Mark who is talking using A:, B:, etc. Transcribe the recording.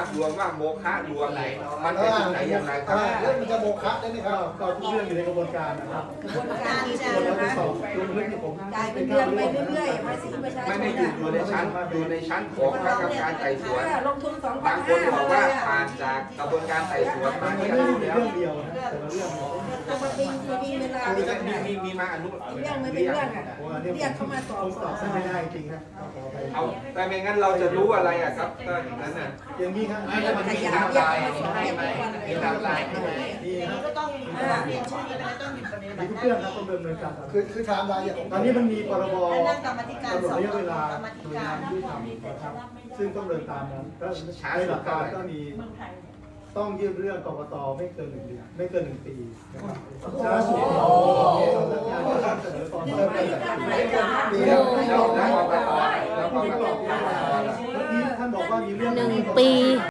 A: ลวงว่าโมฆะลวงมันเป็นที่ไหนอย่างไรครับ
B: เรื่องมันจะโมฆะได้ไหมครับ
C: ก็ทุกเรื่องอยู่ในกระบวนการนะครับ
D: กระบวนการที่
C: ส่วนเรา
D: นะ
C: ไป
D: คะ
C: สอบลงลึกที่ผม
D: จ่ายเป็นเดือนไปเรื่อยๆภาษีประชาชน
A: ไม่ได้อยู่ในชั้นของคณะกรรมการไต่สวน
D: ลงทุน2,500
A: บางคนบอกว่าผ่านจากกระบวนการไต่สวนมา
C: มัน
A: ที่
C: ไม่
A: อ
C: ได้
A: นุ
C: อยู่ใน
A: แล้ว
C: เรื่องเดียวนะแต่ละเรื่อง
D: แต่มันมีเวลา
A: มีมาอนุ
D: เรื่องไม่เป็นเรื่องอ่ะ
C: เพราะว่าเนี่ย
D: เรียกเข้ามาสอบ
C: ผมตอบไม่ได้จริงนะขอไป
A: เอาแต่ไม่งั้นเราจะรู้อะไรอ่ะครับก็อย่างนั้นน่ะ
C: อย่างนี้ครับ
D: มันขยายเรียกมาสอบให้ทุกวันเลย
C: นี่ครับ
E: ก็ต้องมีเรียนชื่อนี้ไปแล้วต้องมีปฏิบั
C: มี
E: ติ
C: ทุกเรื่องครับต้องดำเนินการ
B: คือไทม์ไลน์อย่าง
C: ตอนนี้มันมีพรบ
E: และนั่งกรรมธิการ
C: กำหนด
E: สอบ
C: ระยะเวลาก
E: รรมธิ
C: หน่วยาน
E: กางร
C: ที่ทำนะครับซึ่งต้องเดินตามนั้นแล้วในหลักการก็มีต้องยื่นเรื่องกกตไม่เกิน1 เดือนไม่เกิน1 ปีนะครับช้าสุดสำนักงานก็ต้องเสนอตอนเริ่มต้น
B: ปี
A: แล้
B: แล้ว ว
A: แล้วกรกตแล้วกรกต
C: ท่านบอกว่ามีเรื่อง
F: 1 ปี